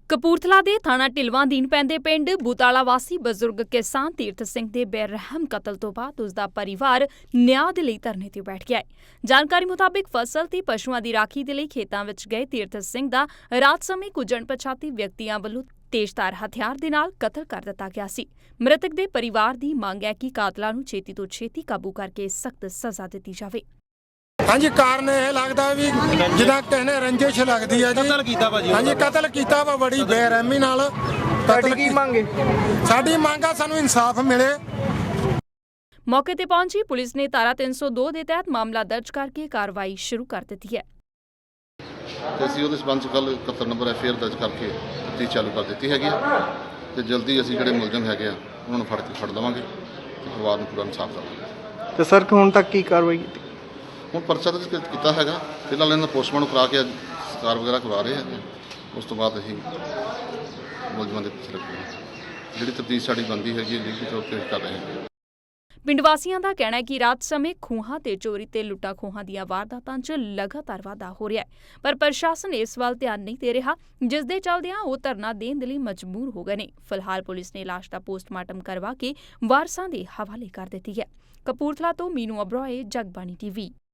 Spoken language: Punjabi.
ਕਪੂਰਥਲਾ ਦੇ ਥਾਣਾ ਢਿਲਵਾਂ ਅਧੀਨ ਪੈਂਦੇ ਪਿੰਡ ਬੂਤਾਲਾ ਵਾਸੀ ਬਜ਼ੁਰਗ ਕਿਸਾਨ ਤੀਰਥ ਸਿੰਘ ਦੇ ਬੇਰਹਿਮ ਕਤਲ ਤੋਂ ਬਾਅਦ ਉਸ ਦਾ ਪਰਿਵਾਰ ਨਿਆਂ ਦੇ ਲਈ ਧਰਨੇ ਤੇ ਬੈਠ ਗਿਆ ਹੈ। ਜਾਣਕਾਰੀ ਮੁਤਾਬਿਕ ਫਸਲ ਤੇ ਪਸ਼ੂਆਂ ਦੀ ਰਾਖੀ ਦੇ ਲਈ ਖੇਤਾਂ ਵਿੱਚ ਗਏ ਤੀਰਥ ਸਿੰਘ ਦਾ ਰਾਤ ਸਮੇਂ ਕੁਝ ਅਣਪਛਾਤੇ ਵਿਅਕਤੀਆਂ ਵੱਲੋਂ ਤੇਜ਼ਧਾਰ ਹਥਿਆਰ ਦੇ ਨਾਲ ਕਤਲ ਕਰ ਦਿੱਤਾ ਗਿਆ ਸੀ। ਮ੍ਰਿਤਕ ਦੇ ਪਰਿਵਾਰ ਦੀ ਮੰਗ ਹੈ ਕਿ ਕਾਤਲਾਂ ਨੂੰ ਛੇਤੀ ਤੋਂ ਛੇਤੀ ਕਾਬੂ ਕਰਕੇ ਸਖਤ ਸਜ਼ਾ ਦਿੱਤੀ ਜਾਵੇ। हाँ जी, कारण यह लगता है भी जिदा कहने रंजिश लगती है जी। कतल कीता भाजी। हाँ जी, कतल कीता वा बड़ी बेरहमी नाल। साडी मंग आ सानू इंसाफ मिले। मौके ते पहुंची पुलिस ने धारा 302 के तहत मामला दर्ज करके कार्रवाई शुरू कर दी है। ਅਸੀਂ ਉਹਦੇ ਸਬੰਧ 'ਚ ਕੱਲ੍ਹ 71 ਨੰਬਰ ਐਫਆਈਆਰ ਦਰਜ ਕਰਕੇ ਤਫਤੀਸ਼ ਚਾਲੂ ਕਰ ਦਿੱਤੀ ਹੈਗੀ ਤੇ ਜਲਦੀ ਅਸੀਂ ਜਿਹੜੇ ਮੁਲਜ਼ਮ ਹੈਗੇ ਆ ਉਹਨਾਂ ਨੂੰ ਫੜ ਲਵਾਂਗੇ ਤੇ ਪਰਿਵਾਰ ਨੂੰ ਪੂਰਾ ਇਨਸਾਫ ਦੇਵਾਂਗੇ। ਤੇ ਸਰ ਹੁਣ ਤੱਕ ਕੀ ਕਾਰਵਾਈ ਕੀਤੀ? ਹੁਣ ਪਰਚਾ ਦਰਜ ਕੀਤਾ ਹੈਗਾ, ਫਿਲਹਾਲ ਇਹਨਾਂ ਦਾ ਪੋਸਟਮਾਰਟਮ ਕਰਾ ਕੇ ਸਕਾਰ ਵਗੈਰਾ ਕਰਵਾ ਰਹੇ ਹਾਂ। ਉਸ ਤੋਂ ਬਾਅਦ ਅਸੀਂ ਮੁਲਜ਼ਮਾਂ ਦੇ ਪਿੱਛੇ ਲੱਗਾਂਗੇ। ਜਿਹੜੀ ਤਫਤੀਸ਼ ਸਾਡੀ ਬਣਦੀ ਹੈਗੀ ਹੈ ਲੀਗਲ ਤੌਰ 'ਤੇ ਕਰ ਰਹੇ ਹਾਂ। ਪਿੰਡ ਵਾਸੀਆਂ ਦਾ ਕਹਿਣਾ ਹੈ ਕਿ ਰਾਤ ਸਮੇਂ ਖੂਹਾਂ ਤੇ ਚੋਰੀ ਤੇ ਲੁੱਟਾਂ ਖੋਹਾਂ ਦੀਆਂ ਵਾਰਦਾਤਾਂ 'ਚ ਲਗਾਤਾਰ ਵਾਧਾ ਹੋ ਰਿਹਾ ਹੈ, ਪਰ ਪ੍ਰਸ਼ਾਸਨ ਇਸ ਵੱਲ ਧਿਆਨ ਨਹੀਂ ਦੇ ਰਿਹਾ, ਜਿਸ ਦੇ ਚੱਲਦਿਆਂ ਉਹ ਧਰਨਾ ਦੇਣ ਦੇ ਲਈ ਮਜਬੂਰ ਹੋ ਗਏ ਨੇ। ਫਿਲਹਾਲ ਪੁਲਿਸ ਨੇ ਲਾਸ਼ ਦਾ ਪੋਸਟਮਾਰਟਮ ਕਰਵਾ ਕੇ ਵਾਰਸਾਂ ਦੇ ਹਵਾਲੇ ਕਰ ਦਿੱਤੀ ਹੈ। ਕਪੂਰਥਲਾ ਤੋਂ ਮੀਨੂ ਅਬਰੋਏ, ਜਗਬਾਣੀ TV।